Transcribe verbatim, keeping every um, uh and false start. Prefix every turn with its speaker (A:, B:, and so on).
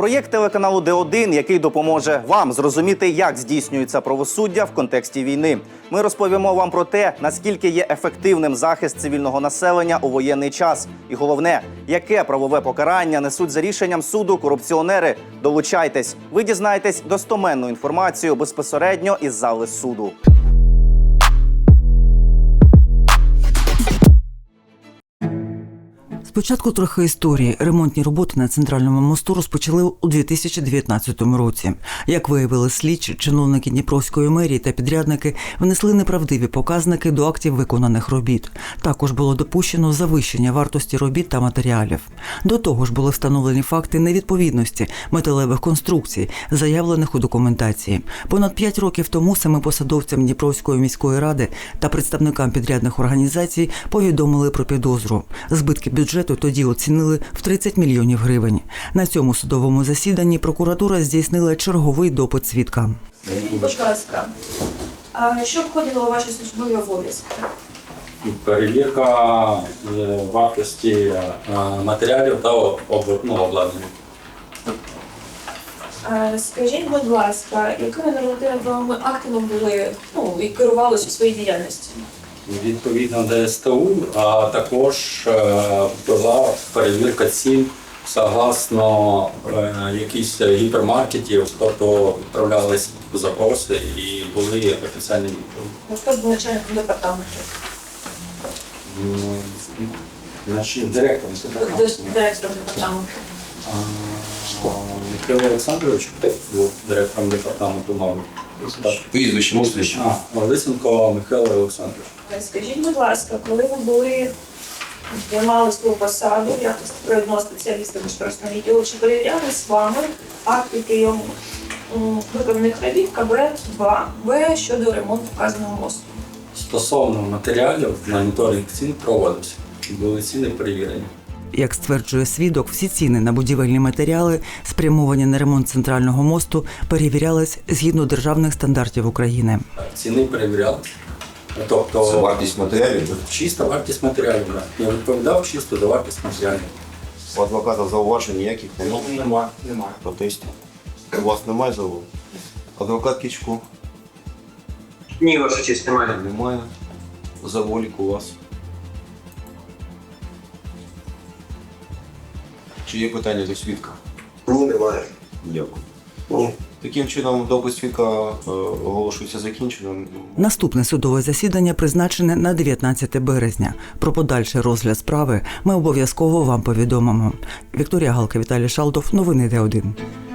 A: Проєкт телеканалу Д один, який допоможе вам зрозуміти, як здійснюється правосуддя в контексті війни. Ми розповімо вам про те, наскільки є ефективним захист цивільного населення у воєнний час. І головне, яке правове покарання несуть за рішенням суду корупціонери. Долучайтесь, ви дізнаєтесь достоменну інформацію безпосередньо із зали суду.
B: Спочатку трохи історії. Ремонтні роботи на Центральному мосту розпочали у дві тисячі дев'ятнадцятому році. Як виявили слідчі, чиновники Дніпровської мерії та підрядники внесли неправдиві показники до актів виконаних робіт. Також було допущено завищення вартості робіт та матеріалів. До того ж були встановлені факти невідповідності металевих конструкцій, заявлених у документації. Понад п'ять років тому самим посадовцям Дніпровської міської ради та представникам підрядних організацій повідомили про підозру. Збитки бюджету тоді оцінили в тридцять мільйонів гривень. На цьому судовому засіданні прокуратура здійснила черговий допит свідка.
C: Будь ласка, а що входило у ваші службові обов'язки?
D: Перевірка вартості матеріалів та обладнання.
C: Скажіть, будь ласка, якими нормативними актами були, ну, і керувалися у своїй діяльності?
D: Відповідно до С Т У, а також була перевірка цін согласно якихось гіпермаркетів, тобто відправлялись запроси і були офіційні відповіді.
C: Хто був начальником департаменту?
D: Значить, директором
C: Директором департаменту.
D: Михайло Олександрович був директором департаменту МАВу.
E: Прізвище, прізвище.
D: А, Лисенко Михайло Олександрович.
C: Скажіть, будь ласка, коли ви були, займали свою посаду в якості провідного спеціаліста міжнародного відділу, чи перевіряли з вами акти прийому виконаних робіт К Б два В щодо ремонту вказаного мосту?
D: Стосовно матеріалів, моніторинг цін проводився. Були ціни перевірені.
B: Як стверджує свідок, всі ціни на будівельні матеріали, спрямовані на ремонт центрального мосту, перевірялись згідно державних стандартів України.
D: Ціни перевіряли. Тобто,
E: Це вартість матеріалів?
D: Чиста вартість матеріалів. Я відповідав чисто за вартість матеріалів.
E: У адвоката зауважень ніяких немає?
D: Немає. Немає.
E: Протестів? У вас немає зауважень? Адвокат Кічко?
F: Ні, ваша честь, немає.
E: Немає. Заволік у вас? Чи є питання до свідка?
F: Ні, немає.
E: Дякую.
F: Ні.
E: Таким чином, допит свідка е, оголошується закінченим.
B: Наступне судове засідання призначене на дев'ятнадцяте березня. Про подальший розгляд справи ми обов'язково вам повідомимо. Вікторія Галка, Віталій Шалдов. Новини Д один.